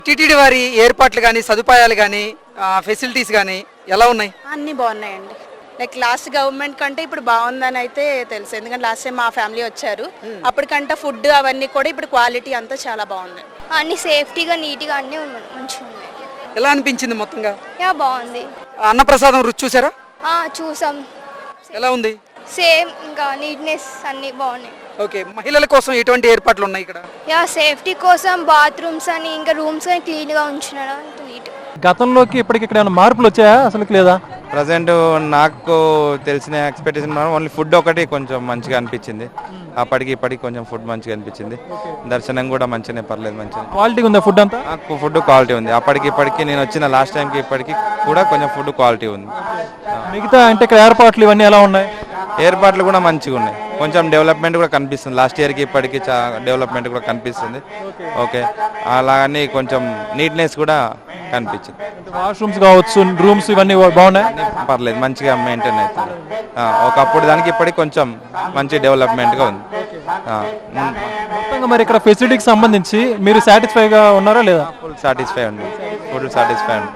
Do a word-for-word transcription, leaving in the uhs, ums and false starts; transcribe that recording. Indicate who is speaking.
Speaker 1: TTD వారి ఏర్పాట్లు కానీ సదుపాయాలు కానీ ఫెసిలిటీస్ కానీ ఎలా ఉన్నాయి?
Speaker 2: అన్నీ బాగున్నాయండి. లైక్ లాస్ట్ గవర్నమెంట్ కంటే ఇప్పుడు బాగుందని అయితే తెలుసు. ఎందుకంటే లాస్ట్ టైం మా ఫ్యామిలీ వచ్చారు, అప్పటికంటే ఫుడ్ అవన్నీ కూడా ఇప్పుడు క్వాలిటీ అంతా చాలా బాగుంది.
Speaker 3: అన్ని సేఫ్టీగా నీట్గా అన్నీ మంచిగా ఉన్నాయి.
Speaker 1: ఎలా అనిపించింది మొత్తంగా?
Speaker 3: యా బాగుంది.
Speaker 1: అన్నప్రసాదం రుచి చూసారా?
Speaker 3: చూసాం.
Speaker 1: ఎలా ఉంది?
Speaker 3: సేమ్ ఇంకా నీట్నెస్ అన్నీ బాగున్నాయి.
Speaker 1: ఓకే, మహిళల కోసం ఎటువంటి ఏర్పాట్లు ఉన్నాయి ఇక్కడ?
Speaker 3: యా సేఫ్టీ కోసం బాత్రూమ్స్ అని ఇంకా రూమ్స్ అని క్లీన్గా ఉంచినారు. నీట్.
Speaker 4: గతంలోకి ఇప్పటికి ఇక్కడ ఏమైనా మార్పులు వచ్చాయా అసలు లేదా?
Speaker 5: ప్రజెంట్ నాకు తెలిసిన ఎక్స్పెక్టేషన్ ఓన్లీ ఫుడ్ ఒకటి కొంచెం మంచిగా అనిపించింది. అప్పటికి ఇప్పటికి కొంచెం ఫుడ్ మంచిగా అనిపించింది. దర్శనం కూడా మంచిగానే, పర్లేదు, మంచిగా
Speaker 4: క్వాలిటీ ఉందా ఫుడ్ అంతా?
Speaker 5: ఫుడ్ క్వాలిటీ ఉంది. అప్పటికి ఇప్పటికి నేను వచ్చిన లాస్ట్ టైంకి ఇప్పటికి కూడా కొంచెం ఫుడ్ క్వాలిటీ ఉంది.
Speaker 4: మిగతా అంటే ఇక్కడ ఏర్పాట్లు ఇవన్నీ ఎలా ఉన్నాయి?
Speaker 5: ఏర్పాట్లు కూడా మంచిగా ఉన్నాయి. కొంచెం డెవలప్మెంట్ కూడా కనిపిస్తుంది. లాస్ట్ ఇయర్కి ఇప్పటికి డెవలప్మెంట్ కూడా కనిపిస్తుంది. ఓకే, అలాగని కొంచెం నీట్నెస్ కూడా కనిపించింది.
Speaker 4: వాష్రూమ్స్ కావచ్చు, రూమ్స్ ఇవన్నీ బాగున్నాయి,
Speaker 5: పర్లేదు, మంచిగా మెయింటైన్ అవుతుంది. ఒకప్పుడు దానికి ఇప్పటికి కొంచెం మంచి డెవలప్మెంట్గా ఉంది.
Speaker 4: మొత్తంగా మరి ఇక్కడ ఫెసిలిటీకి సంబంధించి మీరు సాటిస్ఫైగా ఉన్నారా లేదా?
Speaker 5: ఫుల్ సాటిస్ఫై ఉంది, ఫుల్ సాటిస్ఫై ఉంది.